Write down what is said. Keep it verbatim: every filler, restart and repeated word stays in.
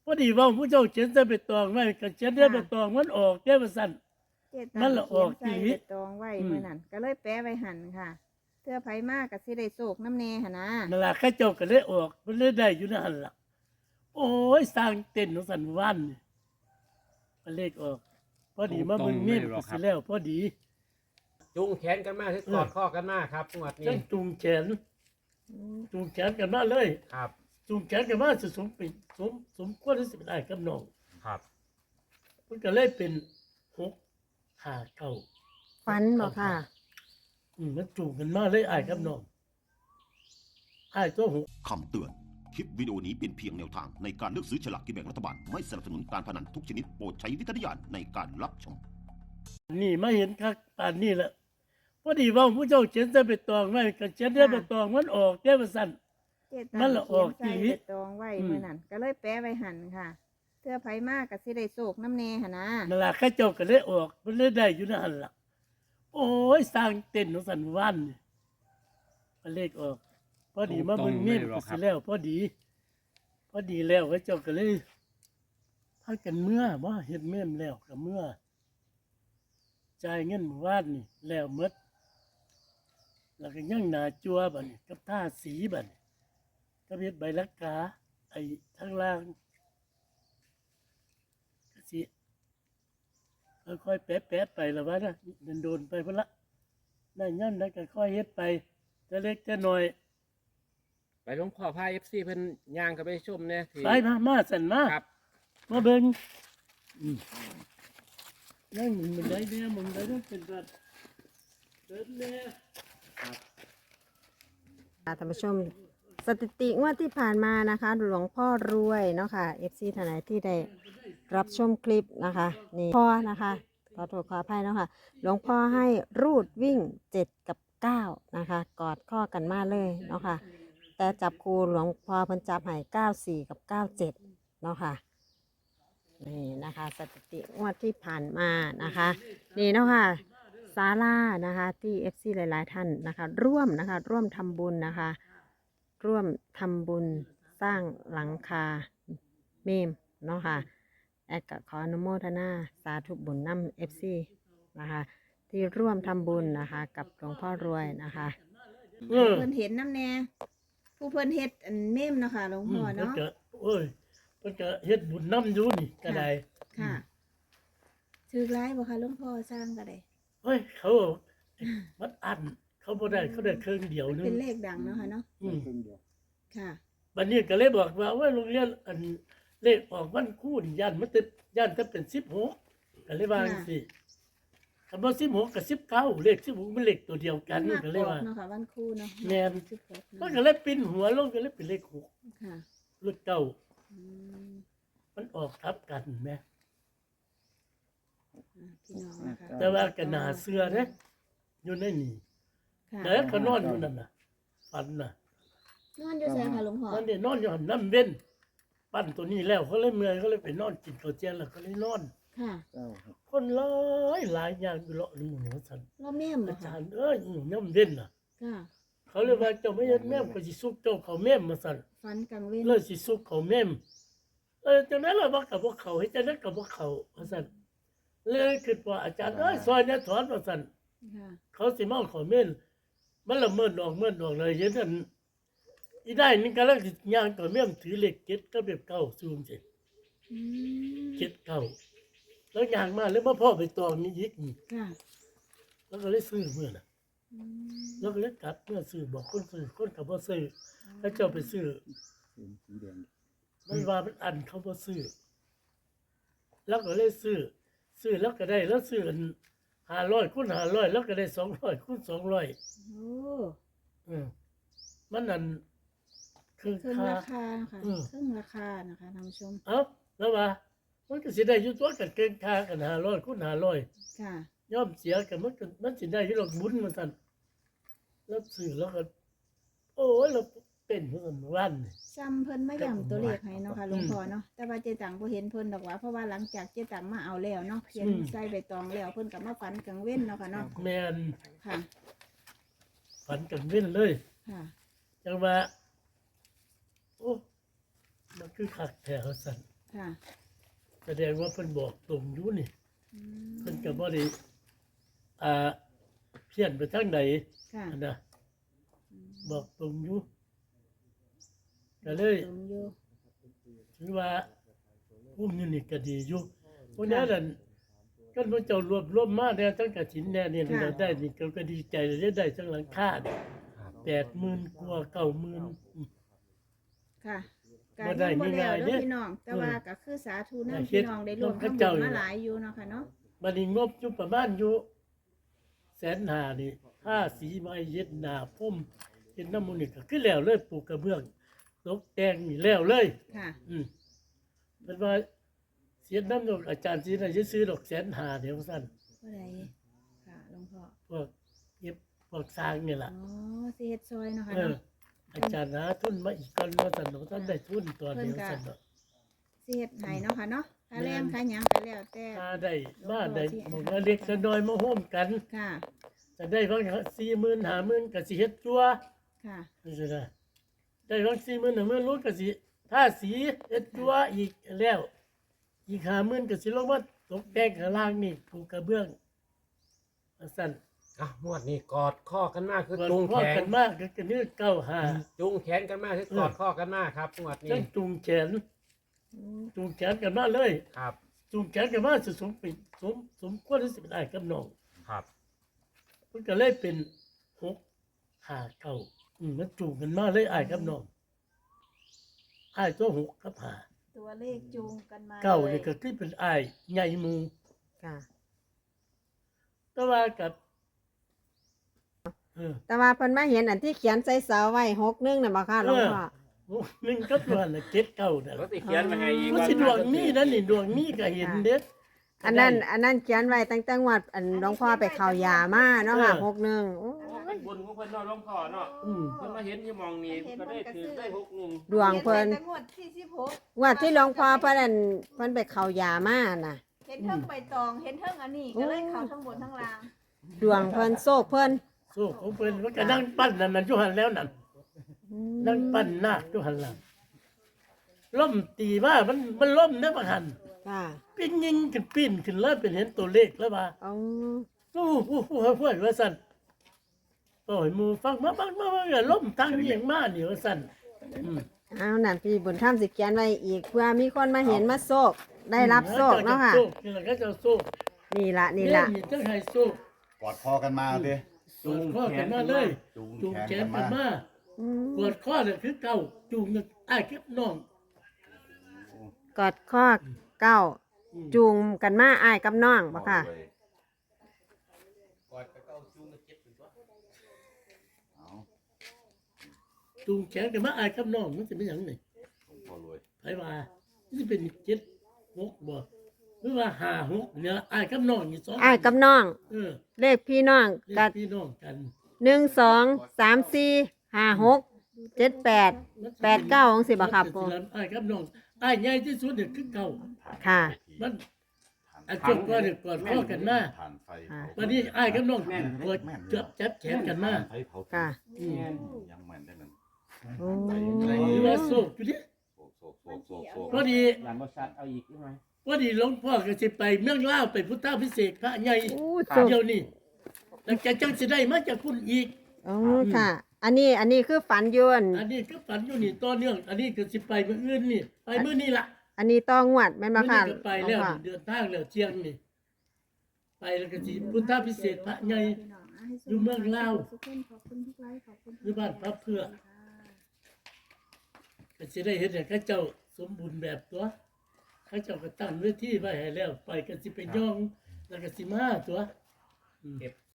พอดีว่าผู้เจ้าเขียนใส่ใบตองไว้ก็เขียนได้ใบตองมันออกได้ว่าซั่นเจตัมันงละอเขียอน กใส่อีหใบลีตองไว้อืมมื้อนั้นก็เลยแปะไว้หั่นค่ะเทื่อไผมากก็สิได้โศกน้ำแน่หั่นนะนั่นล่ะเขาเจ้าก็เลยออกมันเลยได้อยู่ในหั่นล่ะโอ้ยสร้างเต้นของสันวันนี่มันเลขออก พอดีมาเบิ่งเมมก็สิแล้วพอดีจูงแขนกันมาที่กอดข้อกันมาครับงวดจันี้งจูงแขนอืมจูงแขนกันมาเลยครับจูงแขนกันมาสิสมเป็นสมสมควรที่สิเป็นอ้ายกับน้องครับมันก็เลยเป็นหกห้าเก้าฝันบ่ค่ะอืมมันจูงกันมาเลยอ้ายกับน้องอ้ายตัวหกคำเตือน คลิปวิดีโอนี้เป็นเพียงแนวทางในการเลือกซื้อฉลากกินแบ่งรัฐบาล ไม่สนับสนุนการพนันทุกชนิดโปรดใช้วิจารณญาณในการรับชมนี่มาเห็นคักป่านนี้แหละพอดีว่าผู้เจ้าเขียนใส่ใบตองไว้ก็เขียนได้ใบตองมันออกได้ว่าซั่นเจตัมันงละออกเขียนอีหลีใส่ใบตองไว้อืมมื้อนั้นก็เลยแปะไว้หั่นค่ะเทื่อไผมากก็สิได้โศกน้ำแน่หั่นนะนั่นล่ะเขาเจ้าก็เลยออกมันเลยได้อยู่ในหั่นล่ะโอ้ยสร้างเต้นของสันวันนี่มันเลขออก พอดีมาเบิ่งเมมก็สิแล้วพอดี พอดีแล้วเขาเจ้าก็เลยพากันเมื่อบ่เฮ็ดเมมแล้วก็เมื่อจ่ายเงินเมื่อวานนี่แล้วหมดแล้วก็ยังหน้าจัวบัดนี้กับท่าสีบัดนี้ก็เฮ็ดใบลักกาไอ้ทางล่างก็สิค่อยๆแปะๆไปละว่านะโดนๆไปพุ่นละได้ย่ำได้ก็ค่อยเฮ็ดไปแต่เล็กแต่น้อยไปหลวงพ่อพาเอฟซีเพิ่นย่างกันไปชมเนี่ยที่ไปมามาสั่นมาครับมาเบิ่งอืมนั่งมันได้เนี่ยมันได้เนี่ยเป็นแบบเดินเนี่ยค่ะท่านผู้ชมสถิติงวดที่ผ่านมานะคะ หลวงพ่อรวยเนาะค่ะ เอฟ ซี ท่านไหนที่ได้รับชมคลิปนะคะนี่พ่อนะคะขอโทษขออภัยเนาะค่ะหลวงพ่อให้รูดวิ่งเจ็ดกับเก้านะคะ กอดข้อกันมาเลยเนาะค่ะแต่จับคูหลวงพ่อเพิ่นจับให้เก้าสี่กับเก้าเจ็ดเนาะค่ะนี่นะคะสถิติงวดที่ผ่านมานะคะนี่เนาะค่ะ ศาลานะคะที่ เอฟ ซี หลายๆท่านนะคะ ร่วมนะคะ ร่วมทำบุญนะคะ ร่วมทำบุญสร้างหลังคาเมมเนาะค่ะแอดก็ขออนุโมทนาสาธุบุญนำ เอฟ ซี นะคะ ที่ร่วมทำบุญนะคะ กับหลวงพ่อรวยนะคะเออเพิ่นเห็นน้ำแน่ผู้เพิ่นเฮ็ดอันเมมเนาะค่ะหลวงอืพ่อมเพิ่นเนาะก็โอ้ยเพิ่นก็เฮ็ดบุญน้ำอยู่นี่ก็ได้ค่ะถือร้ายบ่คะหลวงพ่อสร้างก็ได้เฮ้ยเขามันอันเขาบ่ได้เขาได้เครื่องเดียวนึงเป็นเลขดังเนาะค่ะเนาะอืมค่ะบัดนี้ก็เลยบอกว่าว่าโรงเรียนอันเลขออกวันคู่นี่ย่านมันติดย่านถ้าเป็นสิบหกก็เลยว่าจังซี่คำว่าสิบหกกับสิบเก้าเลขสิบหกมันเลขตัวเดียวกันมัก็เลยว่าเนาะค่ะวันครูเนาะแม่นสิบหกมันเนาะก็เลยปิ้นหัวลงก็เลยเป็นเลขหกค่ะเลขเก้าอืมมันออกทับกันแหมอ่ะพี่น้องนะคะแต่ว่าก็น่าเชื่อเด้อยู่ในนี่ค่ะแต่ก็นอนอยู่นั่นน่ะฝันน่ะนอนอยู่ไสค่ะหลวงพ่อมันได้นอนอยู่หันน้ำเว้นปั้นตัวนี้แล้วเขาเลยเมื่อยเขาเลยไปนอนกินข้าวเจียนแล้วก็เลยนอนค่ะคนหลายหลายอย่างอยู่เลาะนี่หมูสันรอบแม่มเหรอาอจาคะรย์เอ้ยอีน้ำเว้นน่ะค่ะเขาเลยว่าเจ้าไม่เห็นแม่มก็สิซุกเจ้าเขาแม่มมาสั่นฟันกลางเว้นเลยสิซุกเขาแม่มเออจังนั้นล่ะว่ากับพวกเขาให้จังนั้นกับพวกเขาว่าสั่นเลยคิดว่าอาจารย์เอ้ยซอยเนี่ยถอนว่าสั่นค่ะเขาสิมาเอาเขาแม่นมันละเมิดออกเมิดออกเลยเห็นอันอีได้นี่ก็แล้วสิย่างตัวแม่มถือเหล็กเก็ดก็แบบเก่าซูมสิอืมเก็ดเก่าแล้วย่างมาแล้วมาพ่อไปตองนี่ยิกนี่ค่ะแล้วก็เลยซื้อเมื่อน่ะอืมแล้วก็เลยกลับเมื่อซื้อบอกคนซื้อคนกับบ่ซื้อแล้วเจ้าไปซื้อมันว่ามันอันเขาบ่ซื้อแล้วก็เลยซื้อซื้อแล้วก็ได้แล้วซื้อกันห้าร้อยคูณห้าร้อยแล้วก็ได้สองร้อยคูณสองร้อยโอ้อืมมันนั่นคือเครื่องค่าราคาค่ะอืมเครื่องราคานะคะท่านผู้ชมเอ้าแล้วว่ามันก็สิได้อยู่ตัวกันเกินค่ากันห้าร้อยคูณห้าร้อยค่ะย่อมเสียกันมันก็มันสิได้อยู่ดอกบุญมันซั่นแล้วซื้อแล้วก็โอ้ยเราเป็นเพิ่นวันนี่ซ้ำเพิ่นมาย้ำตัวเลขให้เนาะค่ะหลวงอืมพ่อเนาะแต่ว่าเจตังบ่เห็นเพิ่นดอกว่าเพราะว่าหลังจากเจตังมาเอาแล้วเนาะเขียนอืมใส่ใบตองแล้วเพิ่นก็มาฝันกลางเว้นเนาะค่ะเนาะแม่นค่ะฝันกันเว้นเลยค่ะจังว่าโอ้มันคือคักแท้ว่าซั่นค่ะแสดงว่าเพิ่นบอกตรงอยู่นี่อืมเพิ่นก็บ่ได้อ่าเพี้ยนไปทางไหนค่ะอันนะบอกตรงอยู่ก็เลยตรงอยู่ถือว่าภูมิอยู่นี่ก็ดีอยู่เพราะนั้นนั่นก็พระเจ้ารวบรวมมาแล้วทั้งกฐินแน่นี่เราได้นี่ก็ก็ดีใจเลยได้ทั้งหลังคาเนี่ยแปดหมื่นกว่าเก้าหมื่นค่ะกาบ่รได้ยังบ่แล้วง่ายๆเด้เด้อพี่น้อง แต่ว่าเออก็คือสาธุนํแต่เฮ็พี่ดน้องได้รวมพระทำบุเจ้าญอยู่มาหลายอยู่เนาะค่ะเนาะบัดนี้งบอยู่ประมาณอยู่แสนห้านี่ห้าสีไม้เย็ดหน้าพุ่มเฮ็ดน้ำมูลนี่ก็คือแล้วเลยปลูกกระเบื้องตกแต่งนี่แล้วเลยค่ะอืมเป็นว่าเสียน้ำดอกอาจารย์สีน่ะจะซื้อดอกแสนหาเดี๋ยวสั้นบ่ได้ค่ะหลวงพ่อพวกเย็บพวกสร้างนี่แหละอ๋อสิเฮ็ดซอยเนาะค่ะเออเนาะอาจารย์หาทุนมาอีกก่อนว่าสันดอกท่านได้ทุนตัวเดียวสันดอกสิเฮ็ดให้เนาะค่ะเนาะค่าแรงค่าหยังก็แล้วแต่ถ้าได้มาได้หมองเล็กก็น้อยมาโฮมกันค่ะจะได้บางสี่หมื่นห้าหมื่นก็สิเฮ็ดจัวค่ะนี่สินะได้บางสี่หมื่นห้าหมื่นรู้ก็สิถ้าสีเฮ็ดจัวอีกแล้ว อีกห้าหมื่นก็สิลงมาตกแต่งข้างล่างนี่ปูกระเบื้องว่าสั่นอ่ะงวดนี้กอดข้อกันมากคือก่อนจูงพ่อแขนกันมากก็กระนื้อเก้าหาจูงแขนกันมากคือกอดข้อกันมากครับงวดจันี้งจูงแขนจูงแขนกันมาเลยครับจูงแขนกันมาสสมเป็นสมสมควรที่สิเป็นอ้ายกับน้องครับมันก็เลยเป็นหกห้าเก้าอืมมันจูงกันมาเลยอ้ายกับน้องอ้ายตัวหกกับห้าตัวเลขจูงกันมาเก้าลนี่ยก็คือเป็นอ้ายใหญ่หมู่ค่ะแต่ว่ากับเออแต่ว่าเพิ่นมาเห็นอันที่เขียนใส่เสาไว้หกหนึงน่ะบ่ค่ะหลวงพ่อโอ้หนึ่งกับตัวน่ะเจ็ดเก้าน่ะก็สิเขียนมาให้อีกมันสิดวงนี้นั่นนี่ดวงนี้ก็เห็นเด็ดอันนั้นอันนั้นเขียนไว้ตั้งแต่งวดอันหลวงพ่อไปเข้ายามาเนาะค่ะหกหนึงโอ้เป็นบุญของเพิ่นเนาะหลวงพ่อเนาะอืมเพิ่นมาเห็นที่มองนี้ก็ได้ถือได้หกหนึ่งดวงเพิ่นขียไแต่งวดที่สิบหกงวดที่หลวงพ่อเพิ่นอันเพิ่นไปเข้ายามาน่ะเห็นเทิงใบตองเห็นเทิงอันนี้ก็เลยเข้าทั้งบนทั้งล่างดวงเพิ่นโชคเพิ่นสู้ของเพิ่นมันก็นั่งปั้นนั่นนั่นอยู่หันแล้วนั่นอืมนั่งปั้นนาคอยู่หันหลังล่มตีว่ามันมันล่มเด้อบ่หันค่ะปิ้นยิงขึ้นปิ้นขึ้นแล้วเป็นเห็นตัวเลขแล้วว่าเอาสู้ผู้ผู้เฮาพูดว่าซั่นโอ้ยหมู่ฟังมาฟังมาว่าอย่าล่มทางเอียงมานี่ว่าซั่นอืมเอานั่นพี่บุญธรรมสิเขียนไว้อีกเพื่อมีคนมาเห็นมาโชคได้รับโชคเนาะค่ะนี่แหละก็จะสู้นี่ละนี่ละนี่จังให้สู้กอดคอกันมาดิจูงข้อกันมาเลยจูงจูงแขแขนนกันกันมามาอืมกดข้อเนี่ยคือเก่าจูงกันอ้ายกับน้องกอดข้อเก้าอืมจูงกันมาอ้ายกับน้องบ่ค่ะเอาจูงแขนกันมาอ้ายกับน้องมันจะเป็นหยังไงหลวงพ่อรวยไผว่ามันจะเป็นเจ็ดหกบ่หรือว่าห้าหกเนี่ยอ้ายกับน้องนี่สองอ้ายกับน้องเออเลขพี่น้องเรียกักดพี่น้องกันหนึ่งสองสามสี่ห้าหกเจ็ดแปด แปดเก้าของสิบ่ครับปู่อ้ายกับน้องอ้ายใหญ่ที่สุดเนี่ยคือเก่าค่ะมันอันจบก็เนี่ยกอดข้อกันมาผ่านไฟค่ะวันนี้อ้ายกับน้องกดจับจับแขนกันมาไฟเผาค่ะอืมยังแม่นได้นั่นโอ้หรือว่าโศกอยู่ดิโศกโศกโศกโศกโศกพอดีหลังบ่ชัดเอาอีกใช่ไหมพอดีหลวงพ่อก็สิไปเมืองลาวไปพุทธาพิเศษกพระใหญ่โอ้ครัสุบดเดี๋ยวนี้แล้วจะจังสิได้มาจากคุณอีกโอ้ค่ะ อันนี้อันนี้คือฝันยวนอันนี้ก็ฝันอยู่นี่ต่อเนื่อง อันนี้ก็สิไปมื้ออื่นนี่ ไปมื้อนี้ล่ะอันนี้ต้องงวดแม่นบ่มื้อค่ะนี้ก็ไปแล้วหลวงพ่อเดินทางแล้วเที่ยงนี่ ไปแล้วก็สิพุทธาพิเศษกพระใหญ่ อยู่เมืองลาวขอบคุณขอบคุณทุกไลค์ขอบคุณทุกอยู่บ้านพระเพื่อ ก็สิได้เห็นให้เขาเจ้าสมบูรณ์แบบตัวเขาเจ้าก็ตั้งเวทีไว้ให้แล้ว ไปก็สิไปย่อง แล้วก็สิมาตัวเก็บ